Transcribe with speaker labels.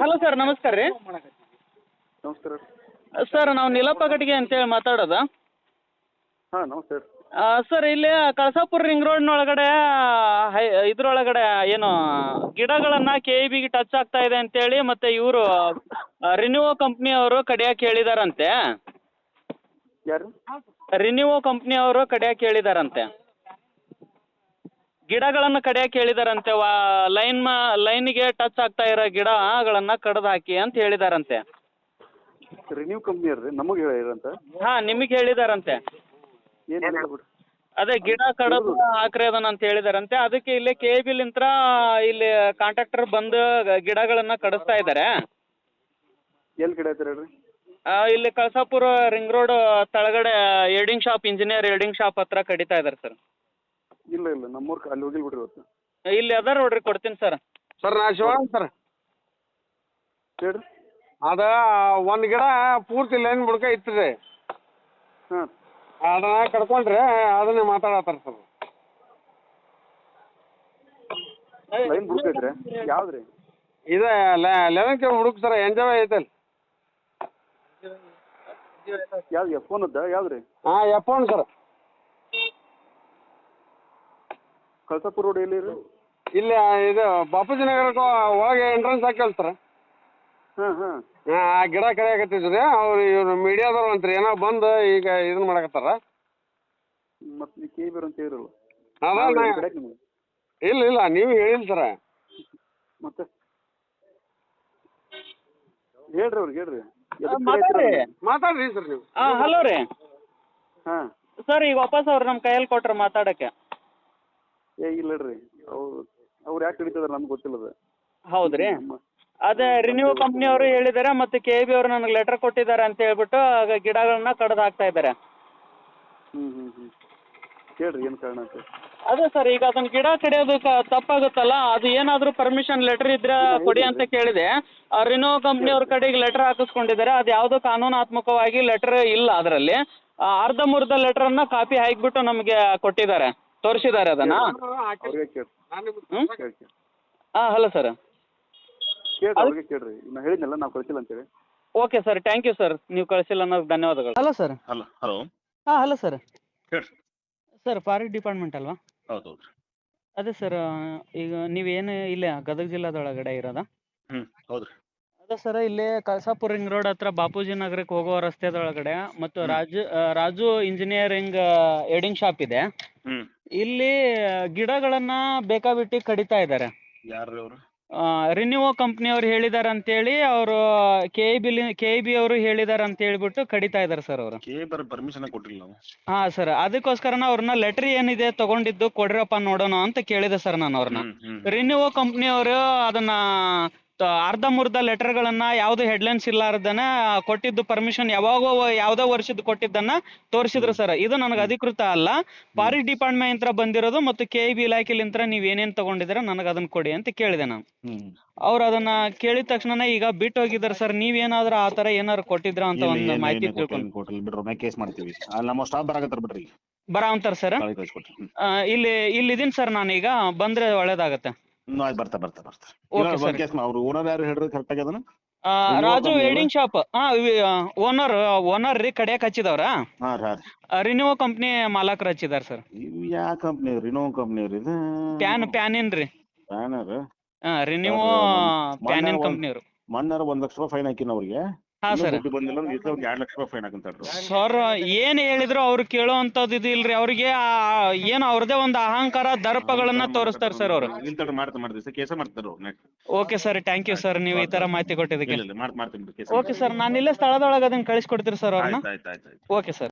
Speaker 1: Hello sir, ನಮಸ್ಕಾರ ರೀ.
Speaker 2: ನಮಸ್ಕಾರ.
Speaker 1: ಸರ್, ನಾವು ನೀಲಪ್ಪ ಕಟ್ಟಿಗೆ ಅಂತೇಳಿ ಮಾತಾಡೋದು.
Speaker 2: ಹಾಂ ನಮಸ್ತೆ.
Speaker 1: ಸರ್, ಇಲ್ಲಿ ಕಳಸಾಪುರ ರಿಂಗ್ ರೋಡ್ನೊಳಗಡೆ ಇದ್ರೊಳಗಡೆ ಏನು ಗಿಡಗಳನ್ನು KEBಗೆ ಟಚ್ ಆಗ್ತಾ ಇದೆ ಅಂತೇಳಿ ಮತ್ತು ಇವರು ರಿನ್ಯೂವೋ ಕಂಪ್ನಿಯವರು ಕಡಿಯಕ್ಕೆ ಹೇಳಿದಾರಂತೆ.
Speaker 2: ಯಾರು?
Speaker 1: ರಿನ್ಯೂವೋ ಕಂಪ್ನಿಯವರು ಕಡಿಯಕ್ಕೆ ಹೇಳಿದಾರಂತೆ. ಗಿಡಗಳನ್ನು ಕಡಿಯಕ್ಕೆ ಹೇಳಿದಾರಂತೆ. ಲೈನಿಗೆ ಟಚ್ ಆಗ್ತಾ ಇರೋ ಗಿಡಗಳನ್ನು ಕಡ್ದು ಹಾಕಿ ಅಂತ ಹೇಳಿದಾರಂತೆ.
Speaker 2: ರಿನ್ಯೂ ಕಂಪ್ನಿಯವ್ರು ರೀ, ನಮಗೆ ಹೇಳಿರಂತ.
Speaker 1: ಹಾಂ, ನಿಮಗೆ ಹೇಳಿದಾರಂತೆ.
Speaker 2: ಏನು ಹೇಳಿಲ್ಲ ಬಿಡ್ರಿ.
Speaker 1: ಅದೇ ಗಿಡ ಕಡದು ಹಾಕ್ರಿ ಅದನ್ನ ಅಂತ ಹೇಳಿದಾರಂತೆ. ಅದಕ್ಕೆ ಇಲ್ಲಿ KEBಲಿಂತ್ರ ಇಲ್ಲಿ ಕಾಂಟ್ರಾಕ್ಟರ್ ಬಂದು ಗಿಡಗಳನ್ನು ಕಡಿಸ್ತಾ ಇದ್ದಾರೆ.
Speaker 2: ಎಲ್ಲಿ ಗಿಡ ಐತೆ ಹೇಳ್ರಿ?
Speaker 1: ಇಲ್ಲಿ ಕಳಸಾಪುರ ರಿಂಗ್ ರೋಡ್ ತಳಗಡೆ ಇಂಜಿನಿಯರ್ ಎಲ್ಡಿಂಗ್ ಶಾಪ್ ಹತ್ರ ಕಡಿತಾ ಇದ್ದಾರೆ ಸರ್.
Speaker 2: ಇಲ್ಲ ಇಲ್ಲ, ನಮ್ಮೂರ್ಗೆ ಅಲ್ಲಿ ಹೋಗಿಲ್ಲ ಬಿಡ್ರಿ ಇವತ್ತು.
Speaker 1: ಇಲ್ಲಿ ಅದ ನೋಡ್ರಿ, ಕೊಡ್ತೀನಿ ಸರ್.
Speaker 3: ಸರ್, ನಾ ಶಿವರಾಮ್ ಸರ್.
Speaker 2: ಹೇಳ್ರಿ.
Speaker 3: ಅದು ಒಂದು ಗಿಡ ಪೂರ್ತಿ ಲೈನ್ ಬುಡ್ಕ ಇತ್ತು.
Speaker 2: ಹಾಂ,
Speaker 3: ಅದನ್ನ ಕಡ್ಕೊಂಡ್ರೆ ಅದನ್ನೇ ಮಾತಾಡತ್ತಾರ ಸರ್.
Speaker 2: ಲೈನ್ ಬುಡ್ಕೈತ್ರಿ? ಯಾವ್ದು ರೀ?
Speaker 3: ಇದೆ 11 ಹುಡುಕ್ ಸರ್, ಎಂಜಾಯ್ ಐತಲ್.
Speaker 2: ಯಾವ್ದು ಫೋನದ್ದ? ಯಾವ್ದು ರೀ?
Speaker 3: ಹಾಂ, F1 ಸರ್.
Speaker 2: ಕಳಸಾಪುರ ರೋಡ್ ಎಲ್ಲಿ ರೀ?
Speaker 3: ಇಲ್ಲಿ ಇದು ಬಾಪೂಜಿ ನಗರಕ್ಕೆ ಒಳಗೆ ಎಂಟ್ರೆನ್ಸ್ ಹಾಕಲ್ ಸರ್.
Speaker 2: ಹಾಂ ಹಾಂ.
Speaker 3: ಆ ಗಿಡ ಕಡಿಯಾಕತ್ತಿದ್ರಿ ಅವ್ರು, ಇವ್ರು ಮೀಡಿಯಾದವ್ರು ಅಂತ್ರಿ, ಏನೋ ಬಂದು ಈಗ ಇದನ್ನ ಮಾಡಕತ್ತಾರ.
Speaker 2: ಮತ್ತು ನೀವು KEB ಅಂತ ಹೇಳಿರಲ್ಲ.
Speaker 3: ಅದ
Speaker 2: ಕಡೆಗೆ ನಿಮಗೆ
Speaker 3: ಇಲ್ಲ ಇಲ್ಲ, ನೀವು ಹೇಳಿಲ್ಲ ಸರ.
Speaker 2: ಮತ್ತೆ ಹೇಳ್ರಿ ಅವ್ರಿಗೆ, ಹೇಳ್ರಿ.
Speaker 3: ಮಾತಾಡ್ರಿ ಸರ್ ನೀವು.
Speaker 1: ಹಲೋ ರೀ.
Speaker 2: ಹಾಂ
Speaker 1: ಸರ್, ಈಗ ವಾಪಸ್ ಅವ್ರು ನಮ್ಮ ಕೈಯಲ್ಲಿ ಕೊಟ್ರು ಮಾತಾಡೋಕ್ಕೆ.
Speaker 2: ಇಲ್ಲ ಹೇಳ್ರಿ, ಅವ್ರು ಯಾಕೆ ಹಿಡಿತದಾರೆ ನಮ್ಗೆ ಗೊತ್ತಿಲ್ಲದ.
Speaker 1: ಹೌದು ರೀ. ಅದೇ ರಿನ್ಯೂ ಕಂಪ್ನಿಯವರು ಹೇಳಿದ್ದಾರೆ ಮತ್ತು KEB ಅವರು ನನಗೆ ಲೆಟರ್ ಕೊಟ್ಟಿದ್ದಾರೆ ಅಂತ ಹೇಳ್ಬಿಟ್ಟು ಗಿಡಗಳನ್ನ ಕಡ್ದು ಹಾಕ್ತಾ ಇದ್ದಾರೆ.
Speaker 2: ಹ್ಞೂ ಹ್ಞೂ ಹ್ಞೂ. ಹೇಳ್ರಿ ಏನು ಕಾರಣ ಅಂತ.
Speaker 1: ಅದೇ ಸರ್, ಈಗ ಅದನ್ನ ಗಿಡ ಕಡಿಯೋದು ತಪ್ಪಾಗುತ್ತಲ್ಲ, ಅದು ಏನಾದರೂ ಪರ್ಮಿಷನ್ ಲೆಟರ್ ಇದ್ರೆ ಕೊಡಿ ಅಂತ ಕೇಳಿದೆ. ರಿನೋ ಕಂಪ್ನಿಯವ್ರ ಕಡೆಗೆ ಲೆಟರ್ ಹಾಕಿಸ್ಕೊಂಡಿದ್ದಾರೆ. ಅದು ಯಾವುದೋ ಕಾನೂನಾತ್ಮಕವಾಗಿ ಲೆಟರ್ ಇಲ್ಲ ಅದರಲ್ಲಿ. ಅರ್ಧಂಬರ್ಧ ಲೆಟ್ರನ್ನ ಕಾಪಿ ಹಾಕಿಬಿಟ್ಟು ನಮಗೆ ಕೊಟ್ಟಿದ್ದಾರೆ, ತೋರಿಸಿದ್ದಾರೆ ಅದನ್ನು.
Speaker 2: ಅವ್ರಿಗೆ ಕೇಳಿ.
Speaker 1: ಹಾಂ, ಹಲೋ ಸರ್.
Speaker 2: ಕೇಳ್ರಿ, ಅವ್ರಿಗೆ ಕೇಳ್ರಿ. ನಾನು ಹೇಳಿದ್ನಲ್ಲ, ನಾವು ಕಳಿಸಿಲ್ಲ ಅಂತೇಳಿ.
Speaker 1: Okay sir, thank you sir. ನೀವು ಕಳಿಸಿಲ್ಲ ಅನ್ನೋದು ಧನ್ಯವಾದಗಳು. Hello sir.
Speaker 4: Hello hello.
Speaker 1: ಹಾಂ, ಹಲೋ ಸರ್.
Speaker 4: ಹೇಳ್ರಿ.
Speaker 1: ಸರ್, ಫಾರೆಸ್ಟ್ ಡಿಪಾರ್ಟ್ಮೆಂಟ್ ಅಲ್ವಾ?
Speaker 4: ಹೌದು ಹೌದು.
Speaker 1: ಅದೇ ಸರ್, ಈಗ ನೀವೇನು ಇಲ್ಲೇ ಗದಗ ಜಿಲ್ಲಾದೊಳಗಡೆ ಇರೋದಾ?
Speaker 4: ಹೌದು ರೀ.
Speaker 1: ಅದೇ ಸರ್, ಇಲ್ಲಿ ಕಳಸಾಪುರ ರಿಂಗ್ ರೋಡ್ ಹತ್ರ ಬಾಪೂಜಿ ನಗರಕ್ಕೆ ಹೋಗೋ ರಸ್ತೆದೊಳಗಡೆ ಮತ್ತು ರಾಜು ಇಂಜಿನಿಯರಿಂಗ್ ಎಡಿಂಗ್ ಶಾಪ್ ಇದೆ. ಇಲ್ಲಿ ಗಿಡಗಳನ್ನ ಬೇಕಾಬಿಟ್ಟಿ ಕಡಿತಾ ಇದ್ದಾರೆ.
Speaker 4: ಯಾರು ಅವರು?
Speaker 1: ರಿನ್ಯೂವೋ ಕಂಪ್ನಿಯವ್ರು ಹೇಳಿದ್ದಾರೆ ಅಂತೇಳಿ, ಅವರು KEB ಅವರು ಹೇಳಿದ್ದಾರೆ ಅಂತ ಹೇಳ್ಬಿಟ್ಟು ಕಡಿತಾ ಇದ್ದಾರೆ ಸರ್ ಅವರು.
Speaker 4: KEB ಪರ್ಮಿಷನ್ ಕೊಟ್ಟಿಲ್ಲ ನಾವು.
Speaker 1: ಹಾಂ ಸರ್, ಅದಕ್ಕೋಸ್ಕರ ಅವ್ರನ್ನ ಲೆಟರ್ ಏನಿದೆ ತಗೊಂಡಿದ್ದು ಕೊಡ್ರಪ್ಪ ನೋಡೋಣ ಅಂತ ಕೇಳಿದೆ ಸರ್ ನಾನು ಅವ್ರನ್ನ. ರಿನ್ಯೂವೋ ಕಂಪ್ನಿಯವರು ಅದನ್ನ ಅರ್ಧಂಬರ್ಧ ಲೆಟರ್ಗಳನ್ನ ಯಾವ್ದು ಹೆಡ್ಲೈನ್ಸ್ ಇಲ್ಲಾರ್ದನ ಕೊಟ್ಟಿದ್ದು ಪರ್ಮಿಷನ್ ಯಾವ್ದೋ ವರ್ಷದ ಕೊಟ್ಟಿದ್ದನ್ನ ತೋರಿಸಿದ್ರು ಸರ್. ಇದು ನನಗೆ ಅಧಿಕೃತ ಅಲ್ಲ, ಫಾರೆಸ್ಟ್ ಡಿಪಾರ್ಟ್ಮೆಂಟ್ ಬಂದಿರೋದು ಮತ್ತು KEB ಇಲಾಖೆಲಿಂತ್ರ ನೀವ್ ಏನೇನ್ ತಗೊಂಡಿದ್ದೀರ ನನಗೆ ಅದನ್ನ ಕೊಡಿ ಅಂತ ಕೇಳಿದೆ ನಾನು. ಅವ್ರು ಅದನ್ನ ಕೇಳಿದ ತಕ್ಷಣ ಈಗ ಬಿಟ್ಟು ಹೋಗಿದ್ದಾರೆ ಸರ್. ನೀವೇನಾದ್ರೂ ಆ ತರ ಏನಾದ್ರು ಕೊಟ್ಟಿದ್ರ ಅಂತ ಒಂದು ಮಾಹಿತಿ ತಿಳ್ಕೊಂಡು
Speaker 4: ಕೇಸ್ ಮಾಡ್ತೀವಿ. ನಮ್ಮ ಸ್ಟಾಫ್ ಬರಾಕತ್ತಾರ ಬಿಡ್ರಿ,
Speaker 1: ಬರಾವಂತಾರ ಸರ್. ಇಲ್ಲಿದ್ದೀನಿ ಸರ್, ನಾನೀಗ ಬಂದ್ರೆ ಒಳ್ಳೇದಾಗತ್ತೆ.
Speaker 4: ಅವ್ರು ಓನರ್ ಯಾರು ಹೇಳ್ರಿ ಕರೆಕ್ಟ್ ಆಗಿ ಅದನ್ನ?
Speaker 1: Raju welding shop. ಓನರ್ ರೀ, ಕಡಿಯಕ್ ಹಚ್ಚಿದವ್ರ. ರಿನ್ಯೂವೋ ಕಂಪ್ನಿ ಮಾಲಕರು ಹಚ್ಚಿದಾರ ಸರ್.
Speaker 4: ಯಾವ ಕಂಪ್ನಿ? ರಿನೋ ಕಂಪ್ನಿ ರೀ.
Speaker 1: ಪ್ಯಾನಿನ್ ರೀ.
Speaker 4: ಪ್ಯಾನರ್?
Speaker 1: ರಿನ್ಯೂವೋ ಪ್ಯಾನಿನ್ ಕಂಪ್ನಿಯವರು.
Speaker 4: ಮಣ್ಣಾರ 1 ಲಕ್ಷ ರೂಪಾಯಿ ಫೈನ್ ಹಾಕಿನ ಅವ್ರಿಗೆ.
Speaker 1: ಹಾಂ ಸರ್.
Speaker 4: ಬಂದಿಲ್ಲ ಅಂದ್ರೆ 2 ಲಕ್ಷ ರೂಪಾಯಿ ಫೈನ್ ಹಾಕಂತಾರ
Speaker 1: ಸರ್. ಏನ್ ಹೇಳಿದ್ರು ಅವ್ರು ಕೇಳೋ ಅಂತದ್ದು ಇದು ಇಲ್ರಿ. ಅವ್ರಿಗೆ ಏನು ಅವ್ರದೇ ಒಂದು ಅಹಂಕಾರ, ದರ್ಪಗಳನ್ನ ತೋರಿಸ್ತಾರೆ ಸರ್ ಅವರು.
Speaker 4: ಮಾಡ್ತೀವಿ ಕೇಸ ಮಾಡ್ತಾರ.
Speaker 1: Okay sir, thank you sir, ನೀವು ಈ ತರ ಮಾಹಿತಿ ಕೊಟ್ಟಿದ್ದಕ್ಕೆ.
Speaker 4: ಮಾಡ್ತೀನಿ.
Speaker 1: ಓಕೆ ಸರ್, ನಾನು ಇಲ್ಲೇ ಸ್ಥಳದೊಳಗೆ ಅದನ್ನ ಕಳಿಸ್ಕೊಡ್ತೀರಿ ಸರ್ ಅವ್ರನ್ನ.
Speaker 4: ಆಯ್ತು.
Speaker 1: Okay sir.